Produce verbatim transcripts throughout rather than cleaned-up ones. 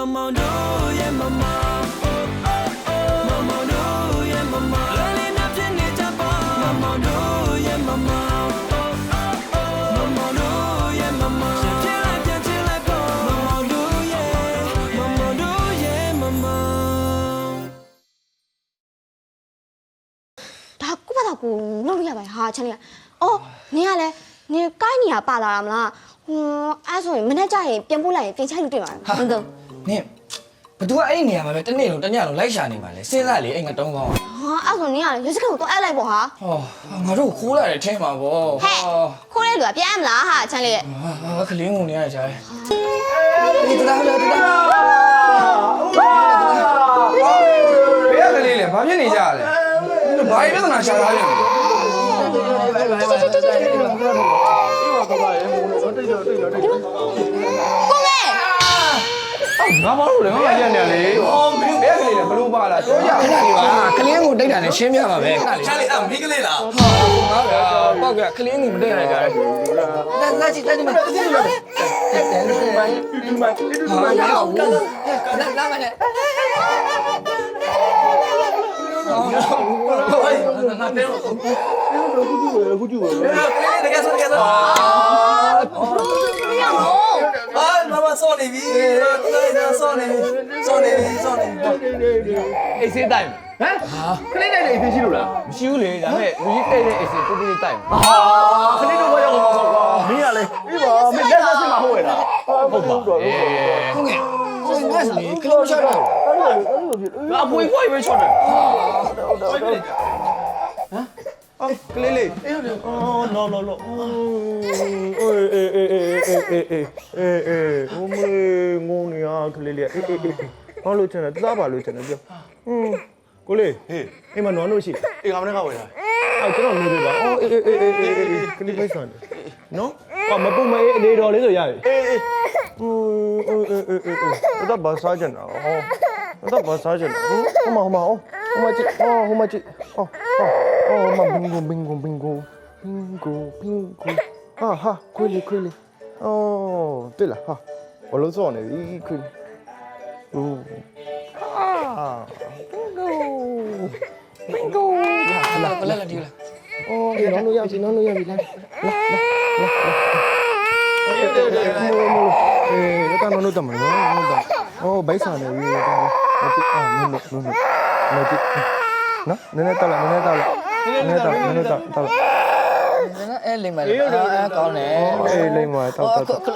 mama do yeah mama oh oh oh mama do yeah mama lele na pini japa mama do yeah mama oh oh oh mama do yeah mama chila chila po mama do yeah mama do yeah mama ဒါကိုဘာသာကိုလုပ်လို့ရပါဟာချန်လေးအော်နင်ကလည်းနင်ကိုင်းနေရပါလာတာမလားဟွန်းအဲ့ဆိုရင်မနေ့ကျရင်ပြန်ပို့လိုက်ရင်ပြင်ချိုက်လို့တွေ့မှာဟုတ်တော့နင်ဘသူကအဲ့ဒီနေရာမှာပဲတနေ့လုံးတညလုံးလိုက်ရှာနေမှာလဲစဉ်းစားလေအဲ့ငါတုံးကောင်းဟာအဲ့ဆိုနင်ကလည်းရွှေစကတ်ကိုတော့အဲ့လိုက်ပေါ့ဟာဟောငါတို့ခိုးလာတယ်ထဲမှာပေါ့ဟဲ့ခိုးတဲ့လူကပြန်မလားဟာချန်လေးရဲ့ဟာခလင်းငုံနေရကြတယ်ဒီတလားတလားတလားဘယ်ကလေးလဲဘာဖြစ်နေကြလဲဘာပြဿနာရှာထားလဲငါမလို့လေငါမကြက်နေလေဟောမင်းဘယ်ကလေးလဲဘလို့ပါလားပြောကြခဏလေးပါခလင်းငုံတိတ်တာနဲ့ရှင်းပြပါပဲခဏလေးချာလေးအဲ့မိကလေးလားဟာငါကပေါက်ကခလင်းငုံမတိတ်ရကြတယ်လာလာကြည့်တက်ဒီမှာတက်ဒီမှာတက်ဒီမှာဒီမှာဟာရအောင်လာလာမနဲ့ဟိုးငါတဲတော့ခုကျူပဲခုကျူပဲကလေးတကယ်ဆိုတကယ်ဆိုအာအာမမစောနေပြီစောနေစောနေစောနေအိတ်ဆေးတိုက်ဟမ်ခလေးတိုက်တဲ့အိတ်ဆေးရှိလို့လားမရှိဘူးလေဒါပေမဲ့လူကြီးတိုက်တဲ့အိတ်ဆေးတူတူလေးတိုက်ဟာခလေးတို့ဘာရောက်မှာကွာမင်းကလေပြီးပါမင်းလက်သက်စစ်မှာဟုတ်ရဲ့လားဟုတ်ပါအေးဟုတ်ကဲ့ဟိုငါစလေကလေးချတော့ငါအပွေခွိုက်ပဲချော့တယ်ဟမ်အော်ကလေးလေးအေးဟုတ်တယ်အော် no no no အေးအေးအေးအေးအေးအေးအေးအေးဟိုမေငုံနေရကလေးလေးအေးအေးအေးဘာလို့ချင်လဲစားပါလို့ချင်တယ်ပြောဟင်းကိုလေးဟေးအိမ်မှာနွားလို့ရှိအေးငါမနေ့ကဝင်လာအဲ့ကျွန်တော်နေပြီပါအော်အေးအေးအေးအေးအေးအေးကလေးပိုက်ဆန်နော်ဘာမပုတ်မအေးအနေတော်လေးဆိုရတယ်အေးအေးဟိုအေးအေးအေးအေးဒါဘာစားကြတာဟောဒါဘာစားကြတာဟိုမဟိုမဟိုဟိုမကြည့်ဟောဟိုမကြည့်ဟောဟောဟောမဘင်ဂိုဘင်ဂိုဘင်ဂိုဘင်ဂိုဘင်ဂိုဟာဟာခွေးလေးခွေးလေးအော်တွေ့လားဟာဘလို့စောနေပြီခွေးဟိုအာဘင်ဂိုဘင်ဂိုလာလာလာဒီလာအော်ဒီနော်လို့ရပြီနော်လို့ရပြီလာလာလာလာအေးအေးအေးအေးဒါကတော့တော့မလို့နော်တော့အော်ဘိုက်ဆန်နေပြီတော့မကြည့်အာနုနုနုနုမကြည့်နော်နည်းနည်းတောက်လိုက်နည်းနည်းတောက်လိုက်နည်းနည်းတောက်နည်းနည်းတောက်တောက်လိုက်အဲ့လိမ့်မယ်အာကောင်းတယ်အေးလိမ့်မယ်တောက်တောက်တောက်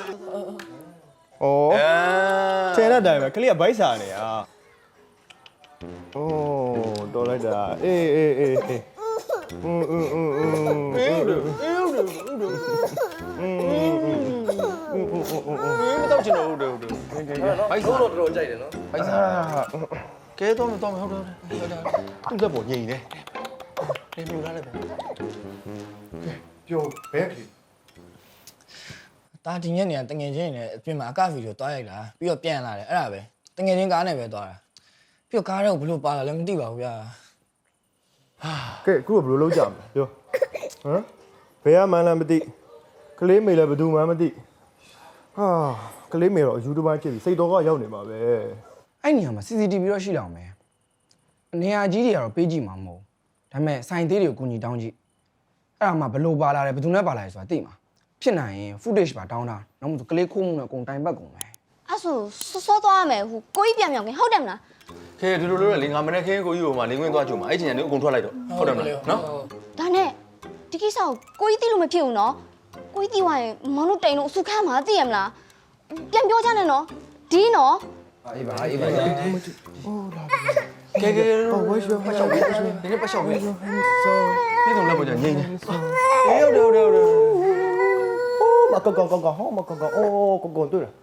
အော်ကျန်တဲ့တိုင်ပဲကလေးကဘိုက်ဆန်နေอ่ะโอ้တော်လိုက်တာအေးအေးအေးအေးอืมอืมอืมอืมအေးအေးအေးอืมอืมอืมမတော့ချင်တော့ဟုတ်တယ်ဟုတ်တယ်ဘိုက်ဆိုးတော့တော်တော်ကြိုက်တယ်နော်ဘိုက်စားကဲတော့တော့ဟုတ်တယ်ဟုတ်တယ်သူ့လက်ပေါ်ညင်နေတယ်ပြူလာတယ်ကဲပြောဘဲကလေးတာဒီညနေကတငယ်ချင်းနဲ့အပြင်မှာအကဗီဒီယိုတွားရိုက်တာပြီးတော့ပြန်လာတယ်အဲ့ဒါပဲတငယ်ချင်းကားနဲ့ပဲတွားတာပြီးတော့ကားတော့ဘလို့ပါလာလဲမသိပါဘူးဗျာဟာကဲအခုကဘလို့လုံးကြမလဲပြောဟမ်ဘယ်ကမှန်းလည်းမသိကလေးမေလည်းဘယ်သူမှမသိဟာကလေးမေတော့အယူတစ်ပိုင်းဖြစ်ပြီးစိတ်တော်ကရောက်နေမှာပဲအဲ့နေရာမှာ စီ စီ တီ ဗီ တော့ရှိလောက်မယ်နေရာကြီးတွေကတော့ပေးကြည့်မှာမဟုတ်ဒါပေမဲ့စိုင်သေးတွေကိုကူညီတောင်းကြည့်အဲ့ဒါမှဘလို့ပါလာတယ်ဘယ်သူနဲ့ပါလာလဲဆိုတာသိမှာဖြစ်နိုင်ရင် footage ပါတောင်းတာနောက်မှကလေးခိုးမှုနဲ့အကုန်တိုင်ပတ်ကုန်မယ်အဲ့ဆိုစောစောသွားရမယ်ဟိုကိုကြီးပြန်ပြောင်းခင်ဟုတ်တယ်မလားခဲဒီလိုလိုလေငါမနေ့ခင်းကိုကြီးဟိုမှာလင်းခွင်းသွားကြုံမှာအဲ့ချိန်ကနေအကုန်ထွက်လိုက်တော့ဟုတ်တယ်မလားနော်ဒါနဲ့ဒီကိစ္စကိုကိုကြီးသိလို့မဖြစ်ဘူးနော်ကိုကြီးသိသွားရင်မောင်တို့တိန်လို့အဆုခမ်းမှာသိရမလားပြန်ပြောကြနဲ့နော်ဒီနော်အေးပါအေးပါကဲကဲဝဲရှောပတ်ရှောက်ပဲဒီနေ့ပတ်ရှောက်ပဲဒီတော့လည်းပေါ်ကြငိမ့်နေအေးဟုတ်တယ်ဟုတ်တယ်ဟုတ်တယ်အိုးမကောကောကောကောဟောမကောကောအိုးကောကောတွေ့လား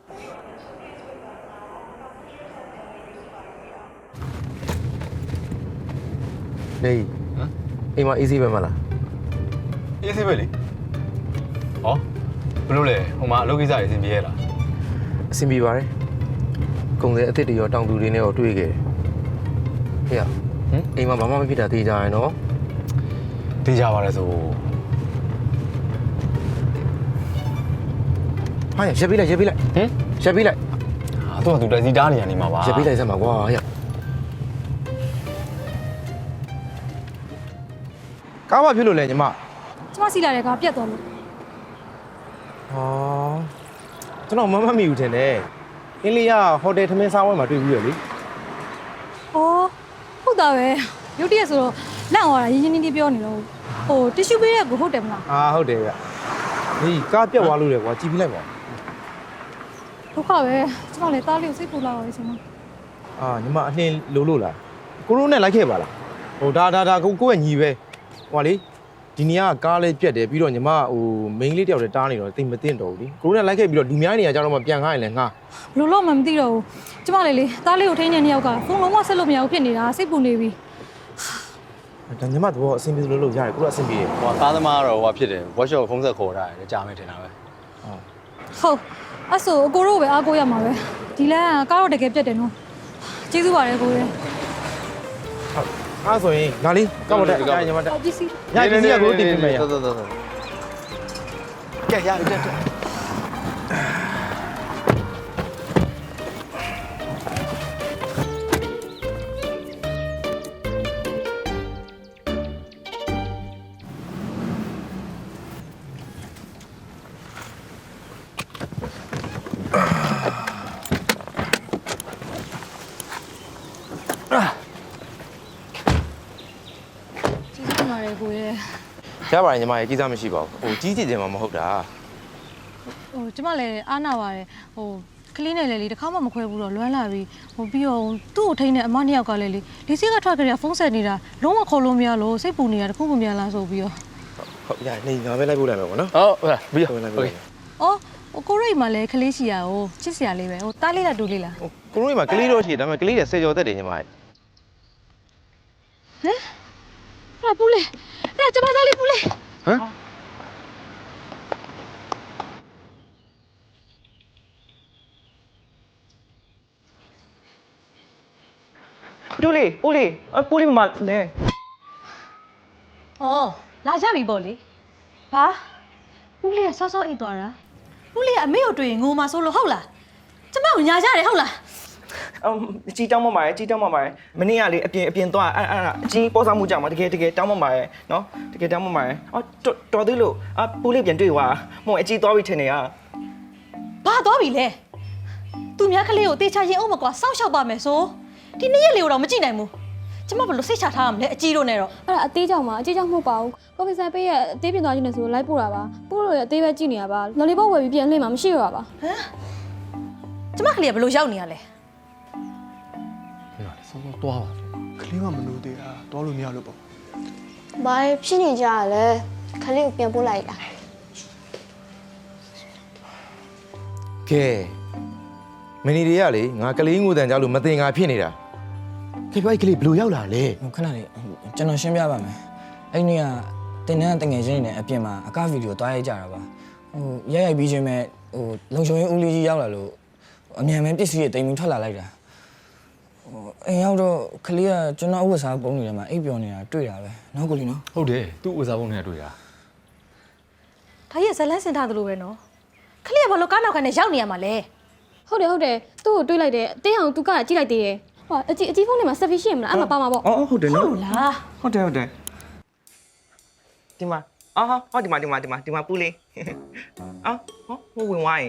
နေဟမ်အိမ်မှာ easy ပဲမလား easy ပဲလေဟောဘယ်လိုလဲဟိုမှာအလုပ်ကိစ္စတွေအဆင်ပြေရလားအဆင်ပြေပါတယ်ကုန်စည်အစ်စ်တွေရောတောင်သူတွေနဲ့ရောတွေ့ခဲ့တယ်ဟေ့ဟမ်အိမ်မှာဘာမှမဖြစ်တာသိကြရနော်သိကြပါလေဆိုဟာရက်ပြီးလိုက်ရက်ပြီးလိုက်ဟမ်ရက်ပြီးလိုက်ဟာသူကသူတက်စီတားနေရနေမှာပါရပေးလိုက်စမ်းပါကွာဟဲ့ကားမဖြစ်လို့လဲညီမကျမစီလာတဲ့ကပြတ်သွားလို့ဟောကျွန်တော်မမတ်မိဘူးထင်တယ်အင်းလေးကဟိုတယ်ထမင်းစားဝဲမှာတွေ့ပြီးရလေ။အော်ဟုတ်တာပဲ။ရုတ်တရက်ဆိုတော့လန့်သွားတာရင်းရင်းနှီးနှီးပြောနေတော့ဟိုတ िश ူပေးတဲ့ကိုဟုတ်တယ်မလားအာဟုတ်တယ်ဗျဒီကားပြတ်သွားလို့လေကွာကြည်ပြီးလိုက်ပါ။ဒုက္ခပဲ။ကျမလည်းတားလေးကိုစိတ်ပူလာပါလေရှင်မအာညီမအနှင်းလိုလို့လားကိုရိုးနဲ့လိုက်ခဲ့ပါလားဟိုဒါဒါဒါကိုကိုယ့်ရဲ့ညီပဲဟိုလေဒီနေရာကကားလေးပြတ်တယ်ပြီးတော့ညီမဟိုမိန်းလေးတယောက်တည်းတားနေတော့တိတ်မသိတော့ဘူးလေကိုရိုးနဲ့လိုက်ခဲ့ပြီးတော့လူများနေရာကြတော့မှပြန်ခိုင်းရင်လည်းငါ။ဘလို့လို့မှမသိတော့ဘူး။ကျမလည်းလေတားလေးကိုထိန်းနေတဲ့နှစ်ယောက်ကဖုန်းလုံးဝဆက်လို့မရဘူးဖြစ်နေတာစိတ်ပူနေပြီဒါညီမတော့အဆင်ပြေလို့လို့ရတယ်ကိုရိုးအဆင်ပြေတယ်ဟိုကားသမားကတော့ဟိုဖြစ်တယ် workshop ဖုန်းဆက်ခေါ်တာတယ်ကြာမယ်ထင်တာပဲ။ဟုတ်အဲ့ဆိုအကိုတို့ပဲအားကိုးရမှာပဲ။ဒီလမ်းကကားတော့တကယ်ပြတ်တယ်နော်။ကျေးဇူးပါတယ်ကိုရယ်အဲ့ဆိုရင်ငါလေးကောက်မတက်အဲ့ညီမတက်။ပစ္စည်းညကြီးကကိုတင်ပြမယ်ရတော်တော်တော်တော်ကဲရတက်တက်ကျေးဇူးတင်ပါတယ်ကိုရယ်ရပါတယ်ညီမရေကြီးစားမရှိပါဘူးဟိုကြီးကြည့်တယ်မှမဟုတ်တာဟိုကျမလည်းအားနာပါတယ်ဟိုကလေးနဲ့လည်းလေတစ်ခါမှမခွဲဘူးတော့လွမ်းလာပြီဟိုပြီးတော့သူ့ကိုထိန်းတဲ့အမနှစ်ယောက်ကလည်းလေဒီစိတ်ကထွက်ကြရဖုန်းဆက်နေတာလုံးဝခေါ်လို့မရလို့စိတ်ပူနေတာတခုမှမရလားဆိုပြီးတော့ဟုတ်ရနေငါပဲလိုက်ပို့လိုက်မယ်ပေါ့နော်ဟုတ်ဟုတ်ပြီးတော့လိုက်ပို့လိုက်အော်ဟိုကိုရိတ်မှလည်းကလေးရှိရဟိုချစ်စရာလေးပဲဟိုတားလေးလားတူလေးလားဟိုကိုရိုးမှာကလေးတော့ရှိတယ်ဒါပေမဲ့ကလေးတွေဆယ်ကျော်သက်တယ်ညီမရေဟမ်အဲ့ပူလေးအဲ့ကျမသားလေးပူလေးဟမ်တူလေးပူလေးအပူလေးမမလဲအော်လာကြပြီပေါ့လေဘာပူလေးကစောစောအိတ်သွားတာပူလေးကအမေကိုတွေ့ရင်ငိုမှာဆိုလို့ဟုတ်လားကျမကိုညာကြတယ်ဟုတ်လားအမ်ကြီးတောင်းမပါရဲ့ကြီးတောင်းမပါရဲ့မနေ့ကလေအပြင်အပြင်သွားအဲ့အဲ့အကြီးပေါ်စားမှုကြောင့်မတကယ်တကယ်တောင်းမပါရဲ့နော်တကယ်တောင်းမပါရဲ့အော်တော်သေးလို့အပူလေးပြန်တွေ့သွားမဟုတ်အကြီးသွားပြီထင်နေရဘာသွားပြီလဲသူများကလေးကိုတေချာရင်အောင်မကွာစောင့်ရှောက်ပါမယ်ဆိုဒီနေ့ရက်လေးကိုတော့မကြည့်နိုင်ဘူးကျမဘယ်လိုစိတ်ချထားရမလဲအကြီးတို့နဲ့တော့အဲ့ဒါအသေးကြောင့်ပါအသေးကြောင့်မဟုတ်ပါဘူးကိုပီဆန်ပေးရဲ့အသေးပြင်သွားခြင်းနဲ့ဆိုလိုက်ပို့တာပါပို့လို့ရအသေးပဲကြည့်နေရပါလော်လီပေါ့ဝယ်ပြီးပြန်လှည့်မှာမရှိရပါပါဟမ်ကျမကလေးကဘယ်လိုရောက်နေရလဲဆောဆောတွားပါကလေးကမလို့သေးတာတောလို့မရလို့ပေါ့ဘာဖြစ်နေကြရလဲခလေးကိုပြန်ပို့လိုက်တာကဲမနီတွေကလေငါကလေးငိုတန်ကြလို့မတင်ငါဖြစ်နေတာခေပိုက်ကလေးဘယ်လိုရောက်လာလဲဟိုခဏလေးကျွန်တော်ရှင်းပြပါမယ်အဲ့ဒီကတင်တန်းတငယ်ချင်းတွေနဲ့အပြင်မှာအကဗီဒီယိုတွားရိုက်ကြတာပါဟိုရိုက်ရိုက်ပြီးချင်းမဲ့ဟိုလုံချုံရင်ဦးလေးကြီးရောက်လာလို့အမြန်မဲ့ပစ္စည်းတွေတိမ်ပြီးထွက်လာလိုက်တာဟိုအိမ်ရောက်တော့ကလေးကကျွန်တော်ဥပ္ပစာပုံနေတယ်မှာအိပ်ပျော်နေတာတွေ့တာပဲနော်ကိုလီနော်ဟုတ်တယ်သူ့ဥစားပုံနဲ့တွေ့တာဒါရဲ့ဇလန်းစင်ထားသလိုပဲနော်ကလေးကဘယ်လိုကားနောက်ခါနဲ့ရောက်နေရမှာလဲဟုတ်တယ်ဟုတ်တယ်သူ့ကိုတွေးလိုက်တယ်အသေးအောင်သူကကြည့်လိုက်သေးတယ်ဟောအကြီးအကြီးဖုန်းထဲမှာဆက်ဖီရှိရမလားအဲ့မှာပါမှာပေါ့အော်ဟုတ်တယ်ဟုနော်တ်လားဟုတ်တယ်ဟုတ်တယ်ဒီမှာအော်ဟောဒီမှာဒီမှာဒီမှာဒီမှာပူလေးအော်ဟောဟိုဝင်ဝိုင်း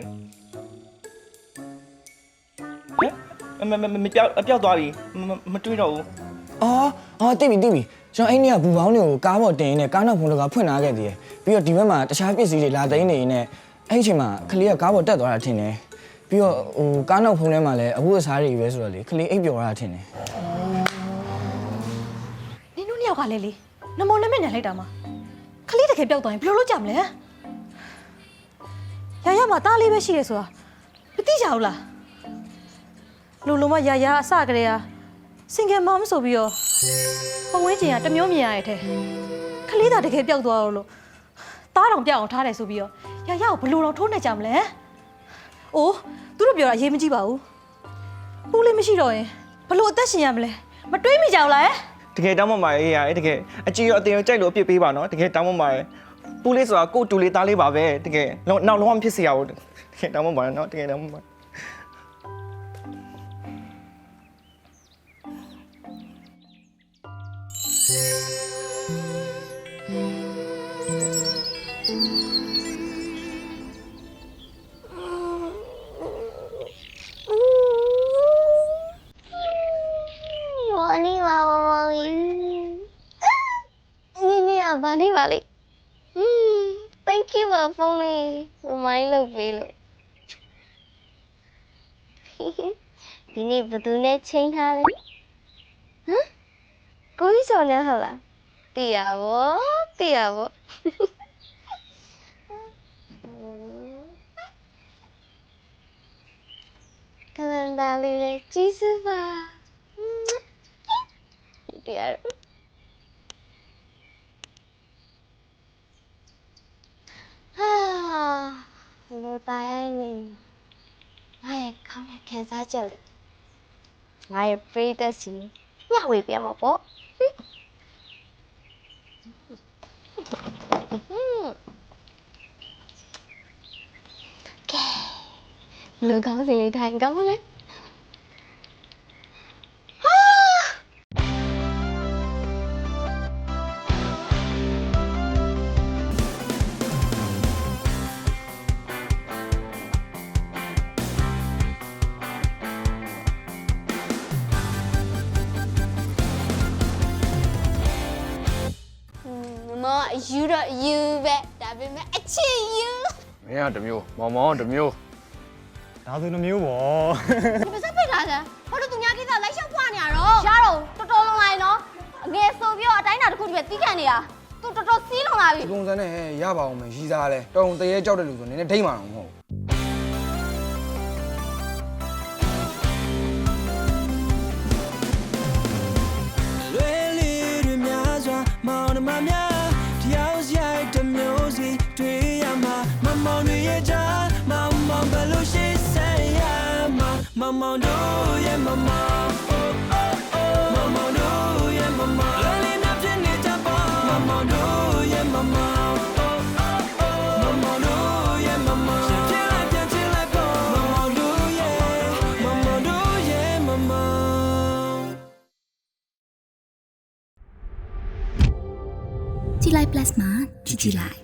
ဟဲ့မမမပြောက်ပြောက်သွားပြီမတွေးတော့ဘူးအော်အော်တိပြီတိပြီကျွန်တော်အဲ့ဒီကဘူပေါင်းတွေကိုကားပေါ်တင်နေကားနောက်ဖုန်းကဖွင့်လာခဲ့သေးတယ်ပြီးတော့ဒီဘက်မှာတခြားပစ္စည်းတွေလာသိမ်းနေနေအဲ့ဒီအချိန်မှာကလေးကကားပေါ်တက်သွားတာထင်တယ်ပြီးတော့ဟိုကားနောက်ဖုန်းထဲမှာလည်းအဝတ်အစားတွေပဲဆိုတော့လေကလေးအိပ်ပျော်ရတာထင်တယ်နင်တို့နှစ်ယောက်ကလည်းလေနမောနမနဲ့လိုက်တာမှာကလေးတကယ်ပျောက်သွားရင်ဘယ်လိုလုပ်ကြမလဲရရမှာတားလေးပဲရှိတယ်ဆိုတာမသိကြဘူးလားလူလုံးမရရအစကလေးကစင်ကယ်မမဆိုပြီးတော့ပဝင်းကျင်ကတမျိုးမြင်ရတဲ့ထဲကလေးသာတကယ်ပျောက်သွားတော့လို့တားတော်ပျောက်အောင်ထားတယ်ဆိုပြီးတော့ရရကိုဘယ်လိုတော့ထိုးနေကြမလဲအိုးသူတို့ပြောတာအရေးမကြီးပါဘူးပူလေးမရှိတော့ရင်ဘယ်လိုအသက်ရှင်ရမလဲမတွေးမိကြဘူးလားတကယ်တောင်းမပါရဲ့အေးရတကယ်အကြီးရောအတင်ရောကြိုက်လို့အပြစ်ပေးပါနော်တကယ်တောင်းမပါရဲ့ပူလေးဆိုတာကိုတူလေးသားလေးပါပဲတကယ်နောက်လုံးဝမဖြစ်စေရဘူးတကယ်တောင်းမပါနော်တကယ်တောင်းမပါ我你娃娃你你啊，把你把你，嗯 ，thank you 啊，凤梨，我买了杯了。嘿嘿，你不都来请他嘞？嗯，故意说你好了，对呀我，对呀我。可能哪里的技术吧。Dear. Ah, lu tay ni. Ai, không thể khen ra chờ. Ai free ta xin. Nhà quỷ bia mà bố. Lu có gì thành công không đấy? Mà you đó you bé, đã bị mẹ chi you. မင်းကတစ်မျိုးမောင်မောင်တစ်မျိုးဒါဆိုနှမျိုးပေါ့你不是被打的？我这东家给他来小花呢喽。瞎喽，多多弄来喏。俺手表在那的口里边抵看的呀，都多多洗弄来ဒီ的。 ပုံစံနဲ့ရပါအောင်မယ်ရီစားလဲတော်ုံတရေကြောက်တဲ့လူဆိုနည်းနည်းထိမ့်မှာတော့မဟုတ်လွယ်လေးတွေများစွာမောင်နှမများတယောက်ရိုက်တစ်မျိုးစီတွေ့ရမှာမမောင်တွေရဲ့ကြားမောင်မောင်ဘယ်လိုရှိဆက်ရမှာမောင်မောင်တို့ရဲ့မမောင် oh oh oh မောင်မောင်တို့ရဲ့မမောင်လွယ်လေးနဲ့ဖြစ်နေကြပါမောင်မောင်တို့ရဲ့မမောင် oh oh oh မောင်မောင်တို့ရဲ့မမောင်ဖြစ်လိုက်ပြန်ဖြစ်လိုက်ပေါ့မောင်မောင်တို့ရဲ့မောင်မောင်တို့ရဲ့မမောင်ကြည်လိုက် plus မှာကြည်ကြည်လိုက်